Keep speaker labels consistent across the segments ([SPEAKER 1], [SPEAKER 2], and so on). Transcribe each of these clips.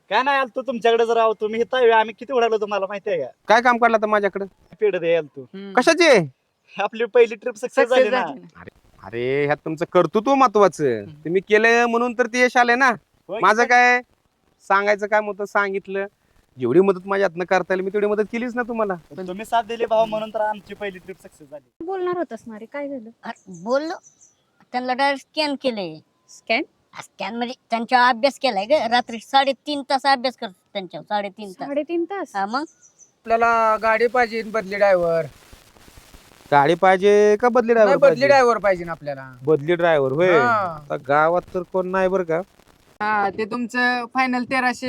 [SPEAKER 1] काय नाही आलतो तुमच्याकडे जर आहो तुम्ही इथं आहे, आम्ही किती उडालो तुम्हाला माहिती आहे का?
[SPEAKER 2] काय काम काढलं तर माझ्याकडे?
[SPEAKER 1] पेढ दे आलतो.
[SPEAKER 2] कशाचे?
[SPEAKER 1] आपली पहिली ट्रिप सक्सेस झाली ना.
[SPEAKER 2] अरे ह्यात तुमचं कर्तृत्व महत्वाचं. तुम्ही केलं म्हणून तर ते यश आले ना.
[SPEAKER 1] होय की
[SPEAKER 2] माझं
[SPEAKER 1] पण-
[SPEAKER 2] काय सांगायचं काम होतं सांगितलं. जेवढी मदत माझ्या हातनं करता येईल मी तेवढी मदत केलीच ना तुम्हाला.
[SPEAKER 1] तुम्ही साथ दिली भाऊ म्हणून तर आमची पहिली ट्रिप सक्सेस झाली.
[SPEAKER 3] बोलणार होतस ना रे, काय झालं?
[SPEAKER 4] बोललो त्यांना डायरेक्ट स्कॅन केलंय.
[SPEAKER 3] स्कॅन?
[SPEAKER 4] स्कॅन म्हणजे त्यांच्या अभ्यास केलाय ग. रात्री 3.5 तास अभ्यास करतो त्यांच्यावर. 3.5 तास.
[SPEAKER 3] 3.5 तास?
[SPEAKER 4] हा मग
[SPEAKER 5] आपल्याला गाडी पाहिजे बदली ड्रायव्हर.
[SPEAKER 2] गाडी पाहिजे का बदली
[SPEAKER 5] नाही,
[SPEAKER 2] ड्रायव्हर
[SPEAKER 5] बदली ड्रायव्हर पाहिजे ना आपल्याला.
[SPEAKER 2] बदली ड्रायव्हर होय.
[SPEAKER 5] हा.
[SPEAKER 2] आता गावात तर कोण नाही बरं का.
[SPEAKER 5] हा, ते तुमचं फायनल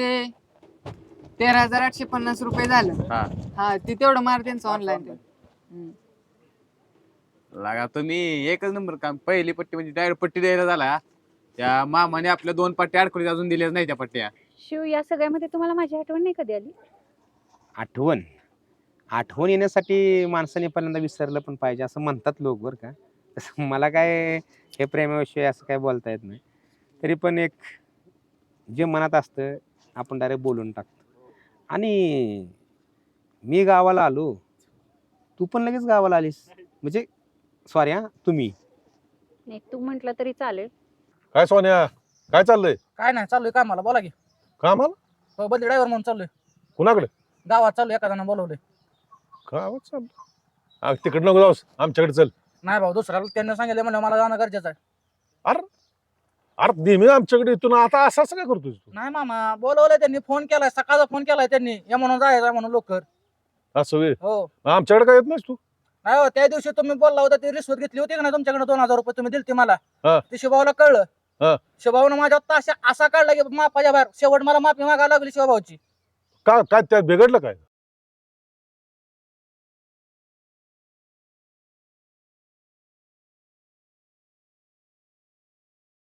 [SPEAKER 5] 13,850 रुपये झालं. हा, ते तेवढं मार त्यांचं ऑनलाईन.
[SPEAKER 6] लागा तुम्ही एकच नंबर काम. पहिली पट्टी म्हणजे डायरेक्ट पट्टी द्यायला झाला. त्या मामाने आपल्या 2 पट्ट्या अडकडी अजून दिल्याच नाही त्या पट्ट्या.
[SPEAKER 3] शिव, या सगळ्यामध्ये तुम्हाला माझी आठवण नाही कधी आली?
[SPEAKER 2] आठवण येण्यासाठी माणसाने पहिल्यांदा विसरलं पण पाहिजे असं म्हणतात लोक बरं का. तसं मला काय हे प्रेमाविषयी असं काय बोलता येत नाही. तरी पण एक जे मनात असतं आपण डायरेक्ट बोलून टाकतो. आणि मी गावाला आलो, तू पण लगेच गावाला आलीस. म्हणजे सॉरी हा, तुम्ही.
[SPEAKER 3] नाही, तू म्हंटल तरी चालेल.
[SPEAKER 7] काय सोन्या, काय चाललंय?
[SPEAKER 5] काय नाही, चाललोय कामाला. बोला की.
[SPEAKER 7] कामाला?
[SPEAKER 5] हो, बदली ड्रायव्हर म्हणून चाललोय.
[SPEAKER 7] कुणाकडे?
[SPEAKER 5] गावात चाललोय, एका जणांना बोलवलंय.
[SPEAKER 7] गावात चाललं. तिकडे नको जाऊस, आमच्याकडे चल.
[SPEAKER 5] नाही भाऊ, दुसऱ्याला त्यांनी सांगितलं म्हणलं मला जाणं गरजेचं आहे.
[SPEAKER 7] अरे नेहमी आमच्याकडे येतो ना, आता असं असं काय करतोय तू?
[SPEAKER 5] नाही मामा, बोलवलंय त्यांनी. फोन केलाय, सकाळचा फोन केलाय त्यांनी. या म्हणून जायचं म्हणून लवकर.
[SPEAKER 7] असं वे
[SPEAKER 5] हो.
[SPEAKER 7] आमच्याकडे काय येत नाहीस तू?
[SPEAKER 5] नाही हो, त्या दिवशी तुम्ही बोलला होता ती रिश्वत घेतली होती का नाही तुमच्याकडे? 2,000 रुपये तुम्ही दिलते मला.
[SPEAKER 7] हा.
[SPEAKER 5] ते शिवभाऊला कळलं.
[SPEAKER 7] हा.
[SPEAKER 5] शिवभाऊनं माझ्या ताशा असा काढला की मापाच्या बाहेर. शेवट मला माफी मागायला लागली शिवभाऊची.
[SPEAKER 7] काय त्यात बिघडलं काय?